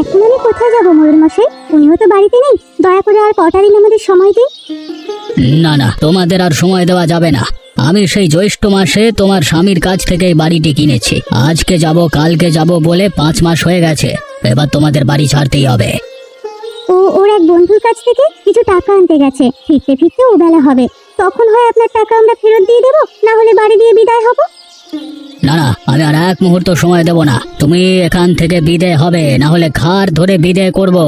এখন আমি কোথায় যাবো ময়ূর মশাই? উনিও তো বাড়িতে নেই। দয়া করে আর কটা দিন আমাদের সময় দিন। না না, তোমাদের আর সময় দেওয়া যাবে না। আমি সেই জ্যৈষ্ঠ মাসে তোমার স্বামীর কাছ থেকে এই বাড়িটি কিনেছি। আজকে যাব কালকে যাব বলে 5 মাস হয়ে গেছে। এবার তোমাদের বাড়ি ছাড়তেই হবে। ওর এক বন্ধুর কাছ থেকে কিছু টাকা আনতে গেছে। ফিরতে ফিরতে ও বেলা হবে। তখন হয় আপনার টাকা আমরা ফেরত দিয়ে দেবো, না হলে বাড়ি দিয়ে বিদায় হব। না না, আমি আর এক মুহূর্ত সময় দেব না। তুমি এখান থেকে বিদায় হবে, না হলে ঘাড় ধরে বিদায় করব।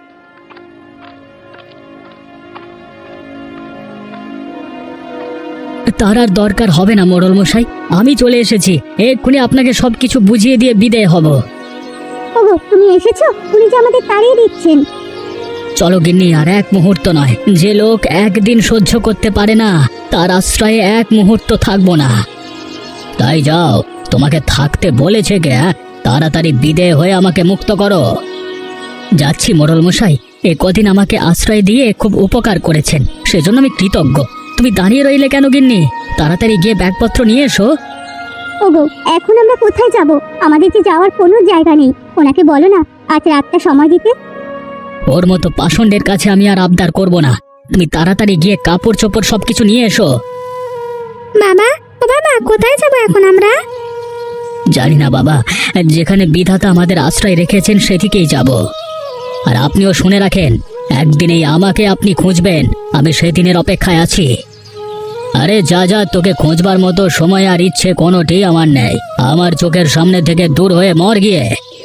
তার আর দরকার হবে না মোড়ল মশাই, আমি চলে এসেছি। এক্ষুনি আপনাকে সবকিছু বুঝিয়ে দিয়ে বিদায় হব। ওগো, তুমি এসেছো? উনি যে আমাদের তাড়িয়ে দিচ্ছেন। চলো গিন্নি, আর এক মুহূর্ত নয়। যে লোক একদিন সহ্য করতে পারে না, তার আশ্রয়ে এক মুহূর্ত থাকবো না। তাই যাও, তোমাকে থাকতে বলেছে কে? তাড়াতাড়ি বিদেয় হয়ে আমাকে মুক্ত করো। যাচ্ছি মোড়ল মশাই, এ কদিন আমাকে আশ্রয় দিয়ে খুব উপকার করেছেন, সেজন্য আমি কৃতজ্ঞ। তুমি দাঁড়িয়ে রইলে কেন গিন্নি? তাড়াতাড়ি গিয়ে ব্যাগপত্র নিয়ে এসো। ওগো, এখন আমরা কোথায় যাব? আমাদের যে যাওয়ার কোনো জায়গা নেই। ওনাকে বলো না আজ রাতটা সময় দিতে। ওর মতো পাষণ্ডের কাছে আমি আর আবদার করব না। তুমি তাড়াতাড়ি গিয়ে কাপড় চোপড় সবকিছু নিয়ে এসো। বাবা, ও বাবা, কোথায় যাব এখন আমরা? জানি না বাবা, যেখানে বিধাতা আমাদের আশ্রয় রেখেছেন সেদিকেই যাব। আর আপনিও শুনে রাখেন, একদিনেই আমাকে আপনি খুঁজবেন। আমি সেদিনের অপেক্ষায় আছি। আরে যা যা, তোকে খোঁজবার মতো সময় আর ইচ্ছে কোনোটি আমার নেই। আমার চোখের সামনে থেকে দূর হয়ে মর গিয়ে।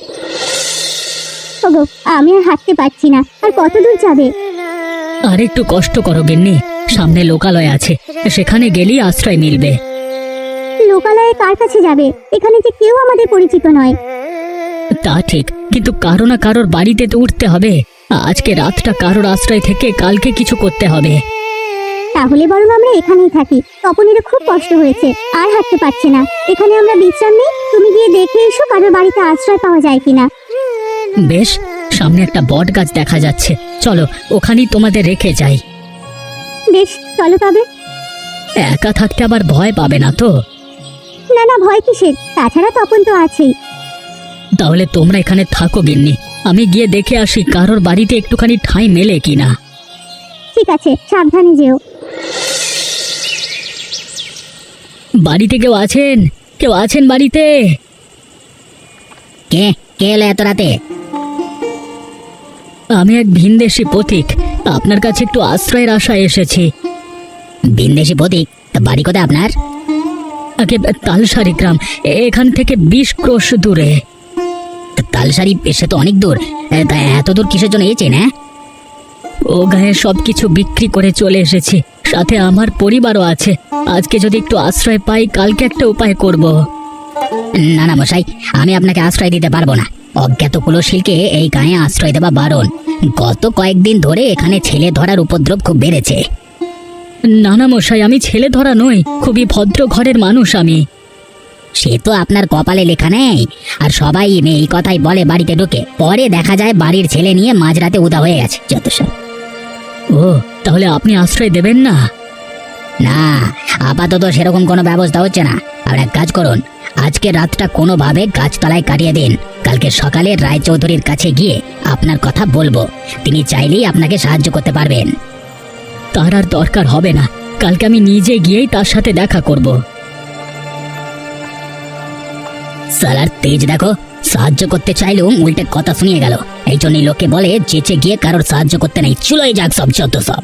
ওগো, আমি আর হাঁটতে পারছি না। আর কত দূর যাবে? আর একটু কষ্ট করো গিন্নি, সামনে লোকালয় আছে, সেখানে গেলেই আশ্রয় মিলবে। লোকালয়ে কার কাছে যাবে? এখানে যে কেউ আমাদের পরিচিত নয়। তা ঠিক, কিন্তু কারো না কারোর বাড়িতে তো উঠতে হবে। আজকে রাতটা কারোর আশ্রয় থেকে কালকে কিছু করতে হবে। তাহলে বরং আমরা এখানেই থাকি। তপনেরও খুব কষ্ট হয়েছে, আর হাঁটতে পারছে না। এখানে আমরা বিশ্রাম নিই। তুমি গিয়ে দেখে এসো কারোর বাড়িতে আশ্রয় পাওয়া যায় কিনা। বেশ, সামনে একটা বট গাছ দেখা যাচ্ছে, চলো ওখানেই তোমাদের রেখে যাই। বেশ, চলো তবে। একা থাকতে আবার ভয় পাবে না তো? না না, ভয় কিসের? তাছাড়া তপন তো আছেই। তাহলে তোমরা এখানে থাকো গিন্নি, আমি গিয়ে দেখে আসি কারোর বাড়িতে একটুখানি ঠাঁই মেলে কিনা। ঠিক আছে, সাবধানে যেও। বাড়িতে কেউ আছেন? কেউ আছেন বাড়িতে? কে কে এলো এত রাতে? আমি এক ভিনদেশী পথিক, আপনার কাছে একটু আশ্রয়ের আশায় এসেছি। ভিনদেশী পথিক? বাড়ি কোথায় আপনার? আগে তালসারি গ্রাম, এখান থেকে 20 ক্রোশ দূরে। তালসারি? সে তো অনেক দূর। তা এত দূর কিসের জন্য এসেছেন? ও গায়ে সবকিছু বিক্রি করে চলে এসেছি, সাথে আমার পরিবারও আছে। আজকে যদি একটু আশ্রয় পাই, কালকে একটা উপায় করব। না না মশাই, আমি আপনাকে আশ্রয় দিতে পারবো না। অজ্ঞাত কুলশীলকে এই গায়ে আশ্রয় দেওয়া বারণ। গত কয়েকদিন ধরে এখানে ছেলে ধরার উপদ্রব খুব বেড়েছে। না না মশাই, আমি ছেলে ধরা নই, খুবই ভদ্র ঘরের মানুষ আমি। সে তো আপনার কপালে লেখা নেই। আর সবাই এই কথাই বলে বাড়িতে ঢুকে, পরে দেখা যায় বাড়ির ছেলে নিয়ে মাঝরাতে উদা হয়ে গেছে যত সব। ও, তাহলে আপনি আশ্রয় দেবেন না? না, আপাতত সেরকম কোনো ব্যবস্থা হচ্ছে না। আর এক কাজ করুন, আজকে রাতটা কোনোভাবে গাছতলায় কাটিয়ে দিন। কালকে সকালে রায়চৌধুরীর কাছে গিয়ে আপনার কথা বলবো। তিনি চাইলেই আপনাকে সাহায্য করতে পারবেন। তার আর দরকার হবে না, কালকে আমি নিজে গিয়েই তার সাথে দেখা করব। সালার তেজ দেখো, সাহায্য করতে চাইলেও উল্টে কথা শুনিয়ে গেল। এই জন্যই লোকে বলে চেঁচে গিয়ে কারোর সাহায্য করতে নেই। চুলোই যাক সব যত সব।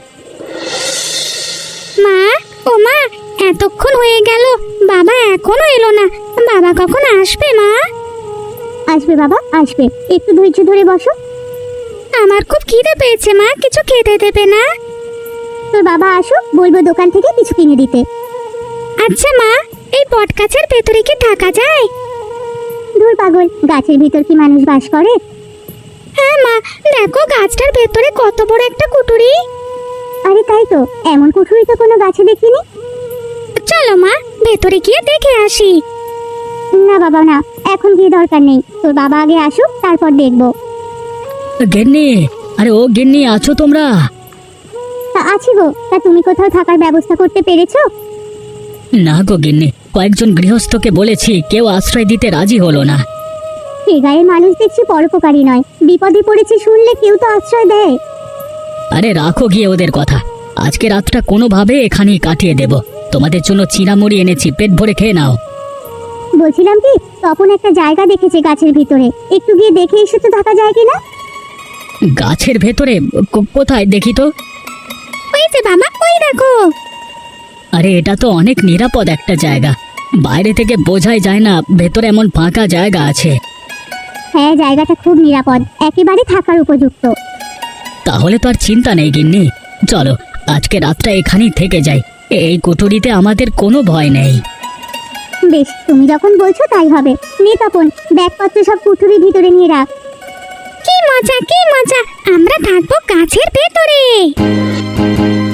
মা, ও মা, এতক্ষণ হয়ে গেল, বাবা এখনো এলো না। বাবা কখন আসবে মা? আসবে বাবা, আসবে। একটু ধৈর্য ধরে বসো। আমার খুব খিদে পেয়েছে মা, কিছু খেতে দেবে না? তোর বাবা আসুক, বলবো দোকান থেকে কিছু কিনে দিতে। আচ্ছা মা, এই বট গাছের ভেতরে কি থাকা যায়? দূর পাগল, গাছের ভিতর কি মানুষ বাস করে? হ্যাঁ মা, দেখো গাছটার ভেতরে কত বড় একটা কুটুরি। আরে তাই তো, এমন কুঠুরি তো কোনো গাছে দেখিনি। চলো মা, ভেতরে গিয়ে দেখে আসি। না বাবা না, এখন গিয়ে দরকার নেই। তোর বাবা আগে আসুক, তারপর দেখবো। গিন্নি, আরে ও গিন্নি, আছো তোমরা? আছি গো। তা তুমি কোথাও থাকার ব্যবস্থা করতে পেরেছো? না গো গিন্নি, কয়েকজন গৃহস্থকে বলেছি, কেউ আশ্রয় দিতে রাজি হলো না। এ গায়ের মানুষ দেখছি পরোপকারী নয়, বিপদে পড়েছে শুনলে কেউ তো আশ্রয় দেয়। আরে রাখো গিয়ে ওদের কথা। আজকে রাতটা কোনোভাবে এখানেই কাটিয়ে দেব। তোমাদের জন্য চিনামুড়ি এনেছি, পেট ভরে খেয়ে নাও। বলছিলাম কি, তপন একটা জায়গা দেখেছে গাছের ভিতরে, একটু গিয়ে দেখে এসে তো থাকা যায় কিনা? গাছের ভেতরে? কোথায় দেখি তো। ওই যে বাবা, ওই দেখো। আরে এটা তো অনেক নিরাপদ একটা জায়গা, বাইরে থেকে বোঝাই যায় না ভেতরে এমন ফাঁকা জায়গা আছে। হ্যাঁ, জায়গাটা খুব নিরাপদ, একেবারে থাকার উপযুক্ত। তাহলে তো আর চিন্তা নেই গিন্নি, চলো আজকে রাতটা এখানেই থেকে যাই। এই কুঠুরিতে আমাদের কোনো ভয় নেই। বেশ, তুমি যখন বলছো তাই হবে। নে তপন, ব্যাগপত্র সব কুঠুরির ভিতরে নিয়ে রাখ। কি মজা, কি মজা, আমরা থাকবো গাছের ভেতরে।